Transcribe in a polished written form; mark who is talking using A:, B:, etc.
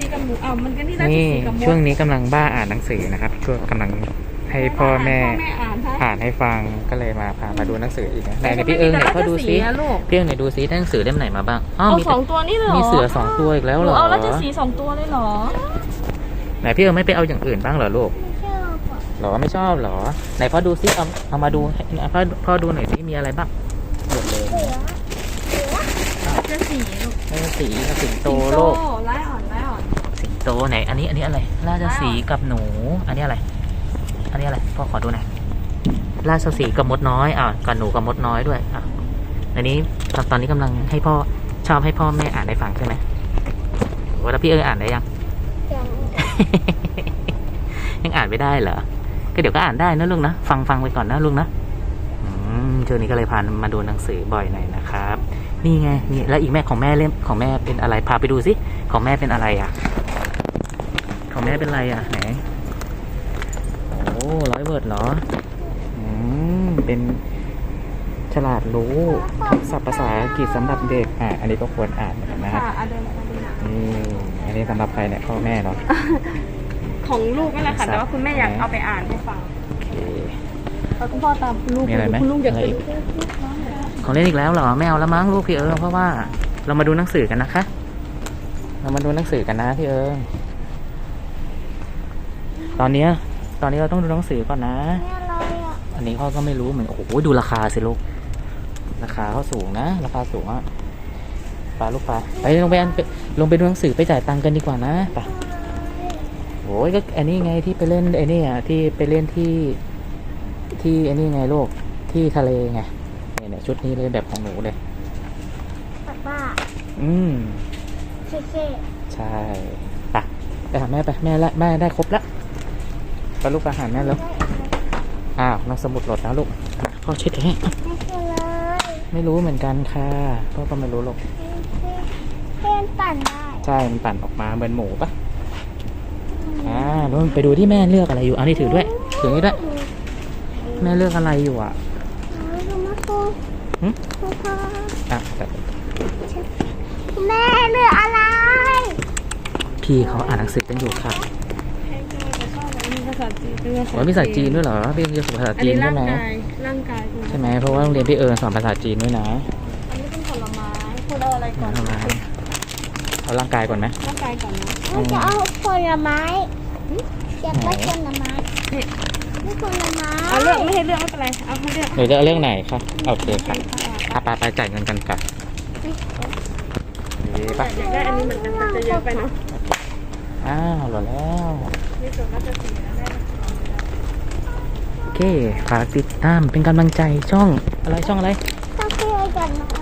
A: กับหมูมันก็นี่ราช
B: นี่
A: สีห์กับมด
B: ช่วงนี้กำลังบ้าอ่านหนังสือนะครับช่วงกำลังให้พ่อแม่อ่านให้ฟังก็เลยพามาดูหนังสืออีกนะไหนพี่เอิงไหนพ่อดูซิพี่เอิงไหนดูซิได้หนังสือเล่มไหนมาบ้าง
A: เอาสองตัวนี่เลยเหรอ
B: มีเสือ2 ตัวอีกแล้วเหรอ
A: เอาราชสีห์2 ตัวเลยเหรอ
B: ไหนพี่เอิงไม่ไปเอาอย่างอื่นบ้างเหรอลูกหรอไม่ชอบหรอไหนพ่อดูซิเอามาดูพ่อดูหน่อยซิมีอะไรบ้างหมดเลย
A: ราชสีห์ลูก
B: สิงโตโลก
A: ไล่อ่อน
B: สิงโตไหนอันนี้อะไรราชสีห์กับหนูอันนี้อะไรพ่อขอดูหน่อยราชสีห์กับมดน้อยกับหนูกับมดน้อยด้วยอันนี้ตอนนี้กำลังให้พ่อชอบให้พ่อแม่อ่านให้ฟังใช่ไหมแล้วพี่อ่านได้ยัง ยังอ่านไม่ได้เหรอก็เดี๋ยวก็อ่านได้นะลุงนะฟังไปก่อนนะลุงนะช่วงนี้ก็เลยพามาดูหนังสือบ่อยหน่อยนะครับนี่ไงนี่แล้วอีกของแม่เล่มของแม่เป็นอะไรพาไปดูสิของแม่เป็นอะไรของแม่เป็นอะไรไหนโอ้100 เวิร์ดเหรอเป็นฉลาดรู้ศัพท์ภาษาอังกฤษสำหรับเด็กอันนี้ก็ควรอ่านนะครับนี่อันนี้สำหรับใครเนี่ยพ่อแม่เนาะ
A: ของลูกนั่นแหละค่ะแต่ว่าคุณแม่อยากเอาไปอ่านให้ฟัง
B: โอเค
A: แล้วคุณพ่อตามลูกคุณลูกอยากไปดู
B: ของเล่นอีกแล้วเหรอไม่เอาแล้วมั้งลูกพี่เพราะว่าเรามาดูหนังสือกันนะคะเรามาดูหนังสือกันนะพี่ตอนนี้เราต้องดูหนังสือก่อนนะอันนี้พ่อก็ไม่รู้เหมือนโอ้โหดูราคาสิลูกราคาเขาสูงนะราคาสูงปลาลูกปลาไปลงไปดูหนังสือไปจ่ายตังค์กันดีกว่านะไปโอ้ยก็อันนี้ไงที่ไปเล่นไอ้นี่ที่ไปเล่นที่อันนี้ไงลูกที่ทะเลไงเนี่ยชุดนี้เลยแบบของหนูเลย
C: ป้า
B: ใช่ไปหาแม่ไปแม่ได้ครบแล้วไปลูกไปหาแม่แล้วน้องสมุดหลดแล้วลูกพ่อเช็ดให้ไม่รู้เหมือนกันค่ะพ่อก็ไม่รู้หรอก
C: เป็นปั่นได้
B: ใช่มันปั่นออกมาเหมือนหมูปะแล้วไปดูที่แม่เลือกอะไรอยู่นี่ถือด้วยนี่ด้วยแม่เลือกอะไรอยู่
C: แม่เลือกอะไร
B: พี่เขาอ่านหนังสือกันอยู่ค่ะ
A: มีภาษาจีน
B: มีภาษาจีนด้วยเหรอพี่เรียนภาษาจีนใช่ไหม
A: ร่างกาย
B: ใช่ไหมเพราะว่าโรงเรียนพี่สอนภาษาจีนด้วยนะ
A: อันนี้เป็นผลไม้คุณเอาอะไรก่อน
B: เอาร่างกายก่อนไหม
A: ร่างกายก่อนนะ
C: จะเอาผลไม้จะไปผลไม้ไม่ผลไม้
A: เอาเลือกไม่ให้เลือกไม่เป็นไรเอาให้เลือก
B: หนูจะเอาเรื่องไหนคะโอเคค่ะไปจ่ายเงินกันค่ะ
A: อยากได้อันนี้เหมือนกันจะเยอะไปเนาะ
B: หล่อแล้ว
A: นี่ส่วนราชสีห์ได้
B: โอเคฝากติดตามเป็นกำลังใจช่องอะไร
C: ต้องเพื่อนกัน